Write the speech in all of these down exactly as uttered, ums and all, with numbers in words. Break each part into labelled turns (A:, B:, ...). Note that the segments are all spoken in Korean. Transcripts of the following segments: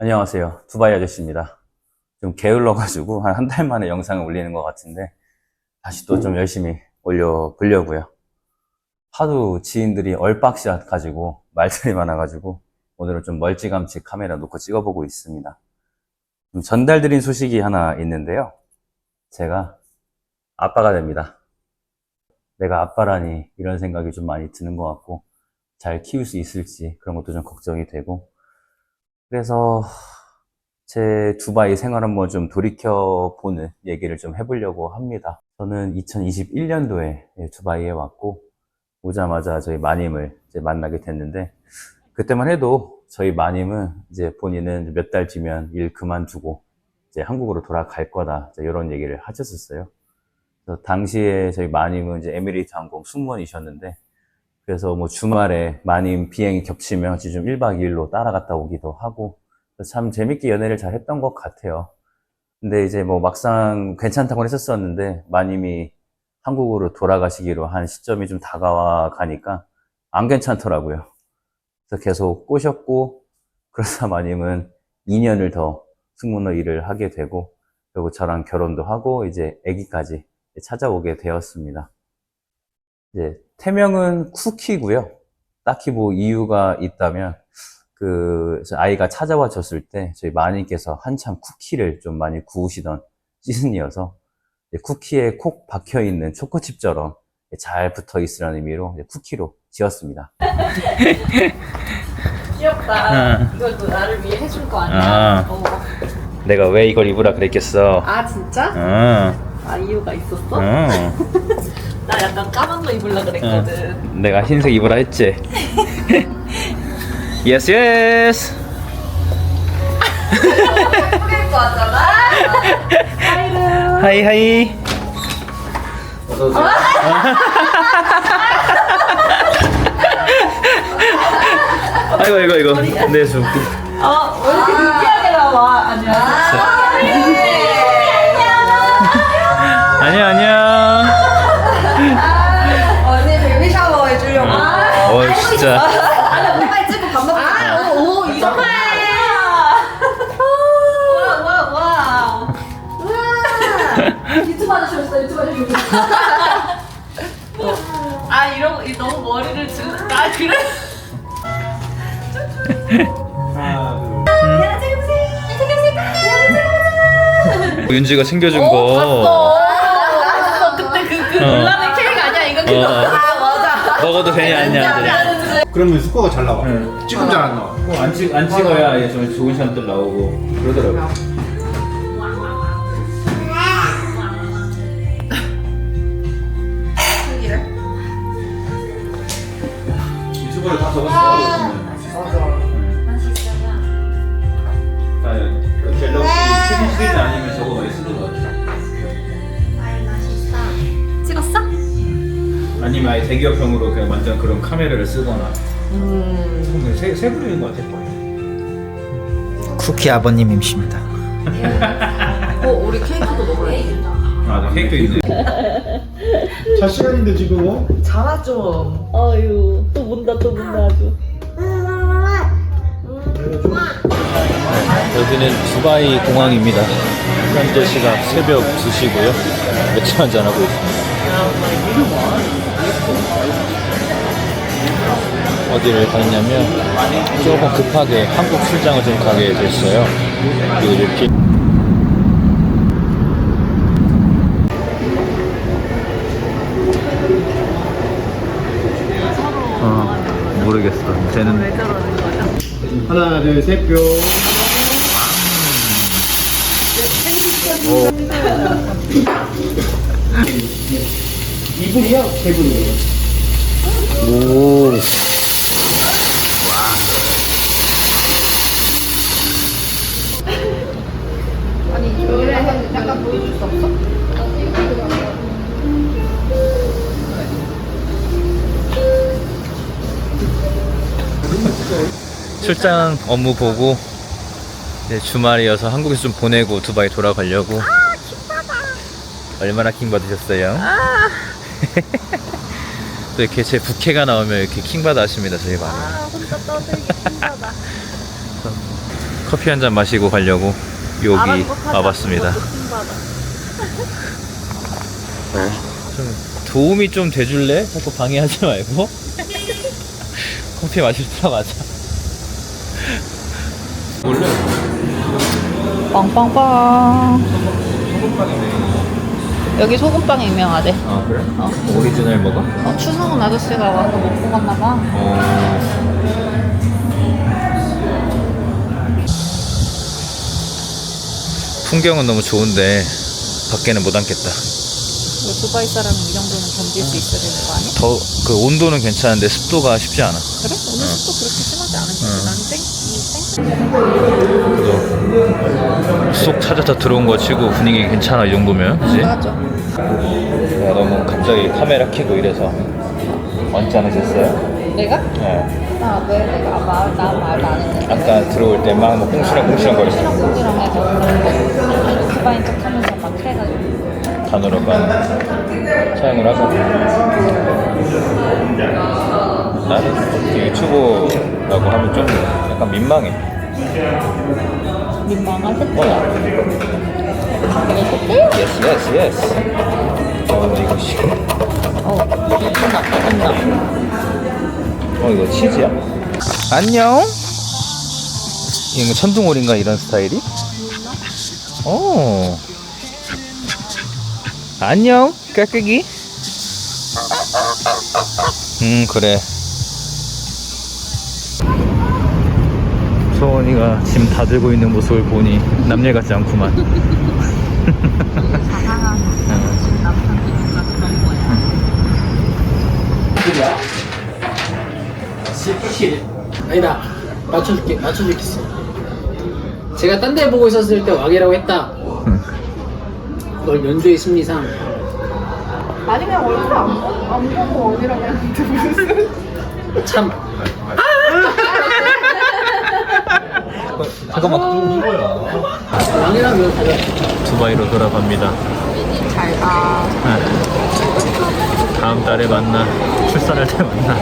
A: 안녕하세요. 두바이 아저씨입니다. 좀 게을러가지고 한 한 달 만에 영상을 올리는 것 같은데 다시 또 좀 열심히 올려보려고요. 하도 지인들이 얼박샷 가지고 말들이 많아가지고 오늘은 좀 멀찌감치 카메라 놓고 찍어보고 있습니다. 좀 전달드린 소식이 하나 있는데요. 제가 아빠가 됩니다. 내가 아빠라니 이런 생각이 좀 많이 드는 것 같고 잘 키울 수 있을지 그런 것도 좀 걱정이 되고 그래서 제 두바이 생활 한번 좀 돌이켜보는 얘기를 좀 해보려고 합니다. 저는 이천이십일 년도에 두바이에 왔고 오자마자 저희 마님을 이제 만나게 됐는데 그때만 해도 저희 마님은 이제 본인은 몇 달 뒤면 일 그만두고 이제 한국으로 돌아갈 거다 이런 얘기를 하셨었어요. 그래서 당시에 저희 마님은 이제 에미레이트 항공 승무원이셨는데 그래서 뭐 주말에 마님 비행이 겹치면 좀 일 박 이 일로 따라갔다 오기도 하고 참 재밌게 연애를 잘 했던 것 같아요. 근데 이제 뭐 막상 괜찮다고 했었었는데 마님이 한국으로 돌아가시기로 한 시점이 좀 다가와 가니까 안 괜찮더라고요. 그래서 계속 꼬셨고 그러다 마님은 이 년을 더 승무원 일을 하게 되고 그리고 저랑 결혼도 하고 이제 아기까지 찾아오게 되었습니다. 이제 태명은 쿠키고요. 딱히 뭐 이유가 있다면 그 아이가 찾아와 줬을 때 저희 마님께서 한참 쿠키를 좀 많이 구우시던 시즌이어서 쿠키에 콕 박혀 있는 초코칩처럼 잘 붙어 있으라는 의미로 쿠키로 지었습니다.
B: 귀엽다.
A: 응.
B: 이것도 나를 위해 해준 거 아니야?
A: 아.
B: 어.
A: 내가 왜 이걸 입으라 그랬겠어?
B: 아 진짜?
A: 응.
B: 아 이유가 있었어?
A: 응.
B: 나 약간 까만 거 입으려 그랬거든.
A: 내가 흰색 입으라 했지. 예스 예스.
B: 예쁘게 입고 왔잖아. 하이루.
A: 하이 하이. 어서 오세요. 아이고 아이고 아이고. 네 좀.
B: 어, 왜 이렇게 느끼하게 나와? 안녕하세요.
A: 안녕 안녕.
B: 언니 베이비 샤워 해주려고.
A: 어 진짜.
B: 아니 빨리 찍고 밥 먹자. 아, 오, 오 이거 봐. 와, 와, 와. 와. 유튜브 아저씨 오셨어. 유튜브 아저씨 오셨어. 아 이런 거 너무 머리를 주. 아 그래?
A: 윤지가 챙겨준
B: 어,
A: 거.
B: 봤어. 봤어. 그때 그, 그
A: 어.
B: 논란의 케이크 아니야? 이거 그거.
A: 어.
B: 아 맞아.
A: 먹어도 되냐 안 되냐.
C: 그러면 스코어가 잘 나와.
A: 응.
C: 지금 잘 안 나와.
A: 안, 찍, 안 찍어야 이제 좀 좋은 샷들 나오고 그러더라고. 유튜브에 다 적었어. 갤럭시 최신 시리즈 아니면 저거 많이 쓰는 것 같아.
B: 찍었어?
A: 아니면 아예 대기업형으로 그냥 완전 그런 카메라를 쓰거나. 음. 세, 세 부류인 것 같아 거의.
D: 쿠키 아버님이십니다.
B: 어 우리 케이크도 먹어야겠다.
A: 아, 나 케이크도 있네.
C: 자 시간인데 지금.
B: 자라 좀. 어유 또 문다 또 문다 아주.
A: 여기는 두바이 공항입니다. 현재 시각 새벽 두 시고요. 맥주 한잔 하고 있습니다. 어디를 갔냐면 조금 급하게 한국 출장을 좀 가게 됐어요. 그리고 이렇게 어 모르겠어. 쟤는
B: 왜 저러는 거죠?
C: 하나 둘셋 뿅. 이분이요? 세 분이에요.
A: 오.
B: 아니 노래 약간 보여줄 수 없어?
A: 출장 업무 보고 이제 주말이어서 한국에서 좀 보내고 두바이 돌아가려고. 아, 킹받아. 얼마나 킹받으셨어요? 아. 또 이렇게 제 부캐가 나오면 이렇게 킹받아 하십니다, 저희 반.
B: 아 혼자 떠들기 힘들다.
A: 커피 한 잔 마시고 가려고 여기 와봤습니다. 좀 도움이 좀 돼줄래? 자꾸 방해하지 말고. 커피 마실 때 가자. 원래
B: 빵빵빵.
A: 소금빵이네.
B: 여기 소금빵이 유명하대.
A: 아 그래?
B: 어.
A: 오리지널 먹어?
B: 어, 추성훈 아저씨가 와서 먹고 갔나봐.
A: 어. 풍경은 너무 좋은데 밖에는 못 앉겠다.
B: 두바이 사람은 이 정도는 견딜 수 있어야 되는 거 아니야?
A: 더 그 온도는 괜찮은데 습도가 쉽지 않아.
B: 그래? 오늘 습도 그렇게 심하지 않은데?
A: 그래도
B: 땡? 땡?
A: 쏙 찾아서 들어온 거 치고 분위기 괜찮아 이 정도면, 그지?
B: 맞아.
A: 내가 너무 갑자기 카메라 켜고 이래서 언짢으셨어요?
B: 내가?
A: 네.
B: 아, 왜 내가 말, 나 말도 안 했는데.
A: 아까 들어올 때 막 뭐 꽁시렁 꽁시렁 거렸어.
B: 시렁꽁시렁 해서 두바인 척 하면서 막 해가지고.
A: 단어로만 사용을 하고. 나는 유튜브라고 하면 좀 약간 민망해.
B: 민망하지?
A: 어.
B: 이거
A: 예스 예스 예스. 어 이거 씨.
B: 어, 끝나, 끝나.
A: 어 이거 치즈야? 안녕. 이거 뭐 천둥오리인가 이런 스타일이? 어. 안녕 까끄기. 음 그래. 소원이가 짐 다 들고 있는 모습을 보니 남일 같지 않구만.
B: 자상한 남편이니까 그런 거야.
D: 실 아니다 맞춰줄게 맞춰줄겠어. 제가 딴 데 보고 있었을 때 왕이라고 했다. 널 연주의 심리상
B: 아니, 그냥 얼굴 안, 보- 안 보고 어디라고 했는데 무슨.
D: 참
A: 잠깐만.
D: 왕이라면 이거 가져.
A: 두바이로 돌아갑니다.
B: 잘 가.
A: 네. 다음 달에 만나. 출산할 때 만나.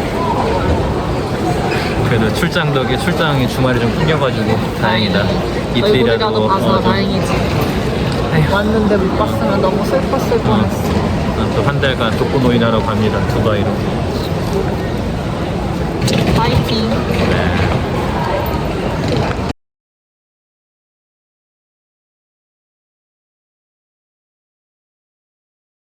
A: 그래도 출장 덕에 출장이 주말에 좀 끊겨가지고 다행이다. 이틀이라도
B: 얼굴이라도 봐서
A: 어, 좀-
B: 다행이지.
A: 에휴.
B: 왔는데 못 봤으면 너무 슬펐을 뻔했어.
A: 또 한 달간 독거노인하러 갑니다. 두바이로.
B: 파이팅.
A: 네.